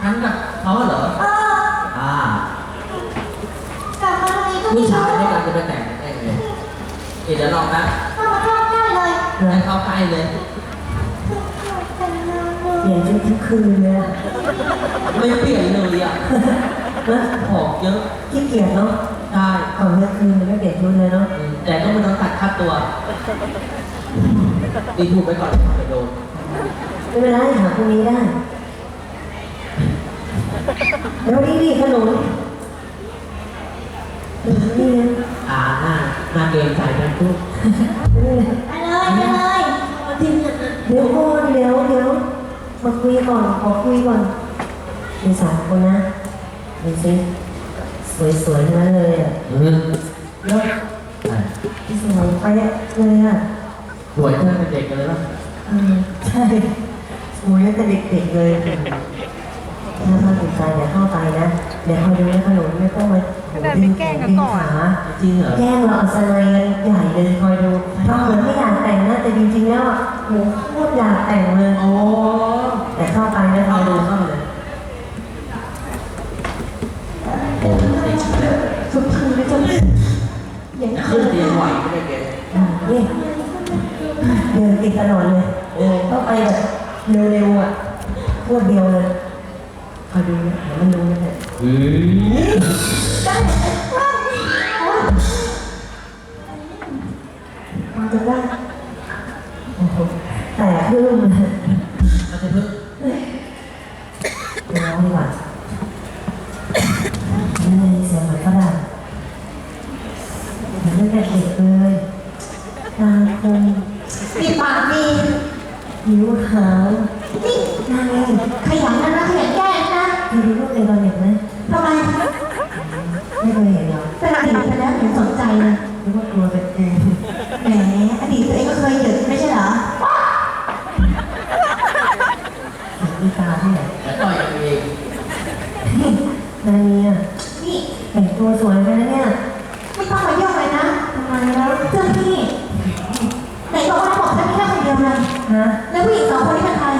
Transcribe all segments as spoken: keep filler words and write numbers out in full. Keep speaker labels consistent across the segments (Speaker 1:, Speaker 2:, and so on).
Speaker 1: ฉันกับเขาเหรอ
Speaker 2: เออ
Speaker 1: อ่าก
Speaker 2: ลับมาตรงนี้ก็
Speaker 1: ผู้
Speaker 2: ไม่
Speaker 1: ชาย
Speaker 2: รู้
Speaker 1: ด้วยกันจะไปแต่งได้ไงเดี๋ยวลองนะ
Speaker 2: เข้ามาเข้าใกล้เลย
Speaker 1: ให้เข้าใกล้เลย
Speaker 2: แต่งงานเล
Speaker 3: เปลี่ย
Speaker 2: ย
Speaker 3: นชุดทุกคืนเลยอะ
Speaker 1: ไม่เปลี่ยนเลยอ่ะ
Speaker 3: นะ
Speaker 1: หอกเยอะ
Speaker 3: ขี้เกียจเนาะ
Speaker 1: ได้
Speaker 3: ก่อนเมื่อคืนไม่เปลี่ยนชุดเลยเนาะ
Speaker 1: อืมแต่ก็ไม่ต้องตัดค่าตัวตีถูกไปก่อนไปโดน
Speaker 3: ไม่เป็นไรหาพรุ่งนี้ได้แล้วนี่นี่ขนมนี่นะ
Speaker 1: อ่าหน้าหน้าเกรงใจกันทุก
Speaker 3: นี่นะ
Speaker 2: ไปเลยไปเลยมาทิ้งอ่ะ
Speaker 3: เดี๋ยวก่อนเดี๋ยวเดี๋ยวมาคุยก่อนขอคุยก่อนมีสามคนนะดูสิสวยๆทั้งนั้นเลยอ่ะ
Speaker 1: อืม
Speaker 3: แล้วสวยไปเลยอ่ะ
Speaker 1: สวยเท่าเป็นเด็กกันเลยป่ะ
Speaker 3: อืมใช่สวยตั้งแต่เด็กๆเลยถ้ามาติดใจเดี๋ยวเข้าไปนะเดี๋ยวคอยดูนะขนมไม่ต้องมาดึงแขนดึงขา
Speaker 1: จริงเหรอ
Speaker 3: แย่งเราเอาสไลด์กันใหญ่เลยคอยดูทำเหมือนไม่อยากแต่งนะแต่จริงๆแล้วอ่ะโหโคตรอยากแต่งเลย
Speaker 1: โอ้
Speaker 3: แต่เข้าไปนะค
Speaker 1: เข้า
Speaker 3: อย
Speaker 1: ดู
Speaker 3: ดู
Speaker 1: เข้าเลยโอ้ติดแล้ว
Speaker 3: ทุกทีไม่จะอย่าง
Speaker 1: จะ
Speaker 3: นี้
Speaker 1: ขึ้นเตียงไหวไม่ได้เกณฑ์
Speaker 3: นี่เดินติดตลอดเลยเออต้องไปแบบเร็วๆอ่ะพวดเดียวเลยคอยดูนะเดี๋ยวมันรู้นะเนี่ย
Speaker 1: อืม
Speaker 3: มันจะได้โอ้โหแต่พึ่งเลย
Speaker 1: เอาจะพึ่ง
Speaker 3: ร้องดีกว่านี่เสียงเหมือนฝรั่งเหมือนตั้งแต่เด็กเลยตาคม
Speaker 2: ปิดปากดี
Speaker 3: ผิวขาว
Speaker 2: นี่
Speaker 3: หน้าเอง
Speaker 2: ขยันนะนะขยันแก้นะ
Speaker 3: เคยดูรูปในตอนเด็กไหม
Speaker 2: ทำไม
Speaker 3: ไม่เคยเห็นหรอ
Speaker 2: เป็นอดีตไปแล้วถึงสนใจเลย
Speaker 3: หรือว่ากลัวเป็นเอง
Speaker 2: แหมอดีตตัวเองก็เคยหยุดไม่ใช่เหรอ
Speaker 3: มีตาที่ไหน
Speaker 1: แล้วต่อยกันเอง
Speaker 3: นายเนี่ย
Speaker 2: นี่
Speaker 3: แต่งตัวสวยไปนะเนี่ย
Speaker 2: ไม่ต้องมายุ่งเลยนะ
Speaker 3: ทำไมแล้ว
Speaker 2: เจ้าพี่ไหนบอกว่าบอกฉันแค่คนเดียวเลย
Speaker 3: ฮะ
Speaker 2: แล้วผู้หญิงสองคนนี้เป็นใคร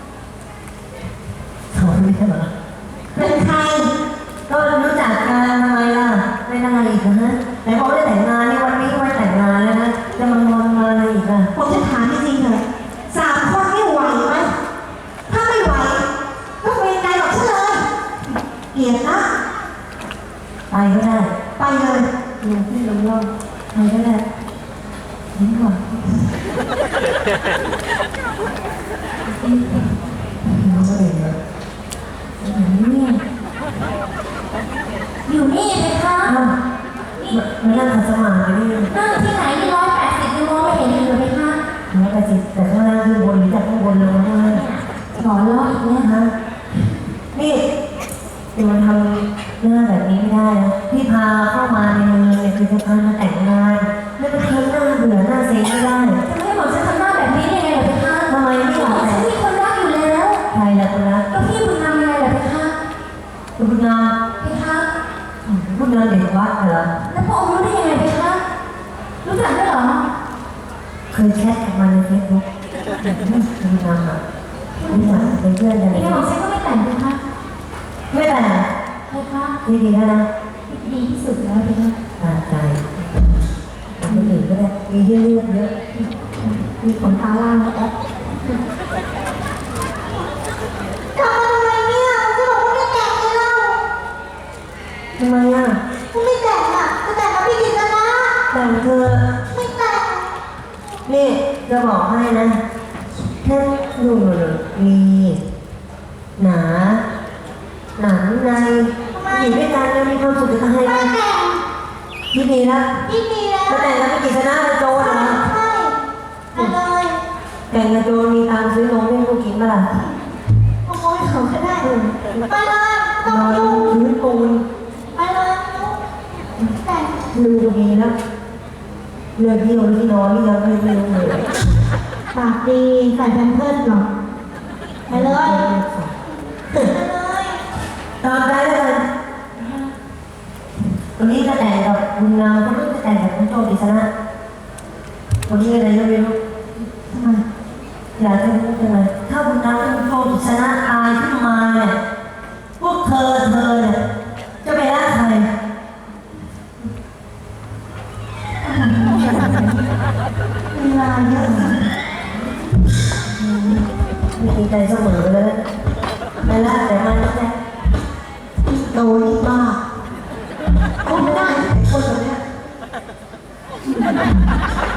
Speaker 3: สอนไม่ใช่เหรอ
Speaker 2: เป็นใคร
Speaker 3: ก็รู้จักกันทำไมล่ะไม่ได้อีกนะฮะไหนบอกได้แต่งงานนี่วันนี้วันแต่งงานแล้วนะจะมางอนมาอะไรอีกอ่ะ
Speaker 2: ผมจะถามจริงๆเลยสามคนไม่ไหวไหมถ้าไม่ไหวก็เป็นใจหรอกฉันเลยเกลียดนะ
Speaker 3: ไปก็ได้
Speaker 2: ไปเลย
Speaker 3: ลงที่ลงล่องไปก็ได้นี่ก่อนน้องก็เห็นแล้วนี่
Speaker 2: อยู่นี่เลยค่ะ
Speaker 3: อ้าวมานั่งขัดสมาธินี่
Speaker 2: นั่งที่ไหนที่ร้อยแปดสิบยังมองไม่เห็นอยู่เลยค่ะ
Speaker 3: แล้วแต่จิตแต่ข้างล่างขึ้นบนหรือจากข้างบนลงมาข้างล่าง
Speaker 2: หล่อล้ออีกเนี่ย
Speaker 3: ฮะนี่จะมาทำหน้าแบบนี้ไม่ได้นะพี่พาเข้ามาในเมืองเนี่ยคือจะพามาแต่งงานแล้วมาทำหน้าเบื่อหน้าเซ็งไม่ได้
Speaker 2: จะไม่ให้หมอฉันทำหน้าแบบนี้ได้ไงเหรอเพคะ
Speaker 3: ทำไมไม่ห
Speaker 2: หม
Speaker 3: ล่อ
Speaker 2: อฉั
Speaker 3: แต่
Speaker 2: นมีคนรักอยู่แล้ว
Speaker 3: ใครล่ะคุณรัก
Speaker 2: ก็พี่บุญนำยังไงเหรอเพคะ
Speaker 3: คุณนาม
Speaker 2: เพคะ
Speaker 3: คุณนามเด็กวัดเหรอ
Speaker 2: แล้วพระองค์รู้ได้ยังไงเพคะรู้จักด้วยเหรอ
Speaker 3: เคยแชทกับมันในเฟซบุ๊กคุณนามอ่ะนี่หว่าเป็นเพื่อนกัน
Speaker 2: ยังไงหมอฉันก็ไม่แต่งเพคะ
Speaker 3: ไม่แต่
Speaker 2: เพคะ
Speaker 3: ดีดีแล้วนะ
Speaker 2: ดีที่สุดแล้วเพคะ
Speaker 3: ตามใจคนอื่นก็ได้มีเยอะเยอะ
Speaker 2: มีขนตาล่างแล้วแอ๊ะทำมาทำไมเนี่ยจะบอกว่าไม่แต่งเลยเล่า
Speaker 3: ทำไมอ่ะ
Speaker 2: กูไม่แต่งอ่ะจะแต่งกับพี่กิตนะ
Speaker 3: แต่งเธอ
Speaker 2: ไม่แต่ง
Speaker 3: นี่จะบอกให้นะแค่ดูมีหนา หนังในอยู่ด้วยกันแล้วมีความสุขจะทำให้
Speaker 2: ไม่แต่ง
Speaker 3: ที่ดีแล้ว
Speaker 2: พี่มีแล้ว
Speaker 3: แล้วแต่งแล้วไม่กี่ชนะโจร
Speaker 2: ใช่
Speaker 3: นะ
Speaker 2: ใช่ไปเลย
Speaker 3: แต่งกับโจรมีตังค์ซื้อนมให้ลูกกินเปล่า
Speaker 2: ขโมยเขาก็ได้ไปเลยต้
Speaker 3: น
Speaker 2: อง
Speaker 3: อน
Speaker 2: ยุ่ง
Speaker 3: พื้นปูน
Speaker 2: ไปเลยแต่ง
Speaker 3: ลืมดีแล้วเรื่องที่นอนที่นอนนี่ยังไม่รู้เลย
Speaker 2: ปากดีใส่แพมเพิร์สหรอไปเลยไปเลย
Speaker 3: ตามใจแล้วกันวันนี้จะแต่งกับคุณงามคนนู้นจะแต่งกับคุณโจดิษณะวันนี้อะไรก็ไม่รู้
Speaker 2: ทำไม
Speaker 3: อยากจะรู้จังเลยถ้าคุณงามกับคุณโจดิษณะตายขึ้นมาเนี่ยมีใจเสมอเลยนะไม่ละแต่มันแค่
Speaker 2: โตนี่บ้าคงไม่ได้ไอ้คนแบบเนี้ย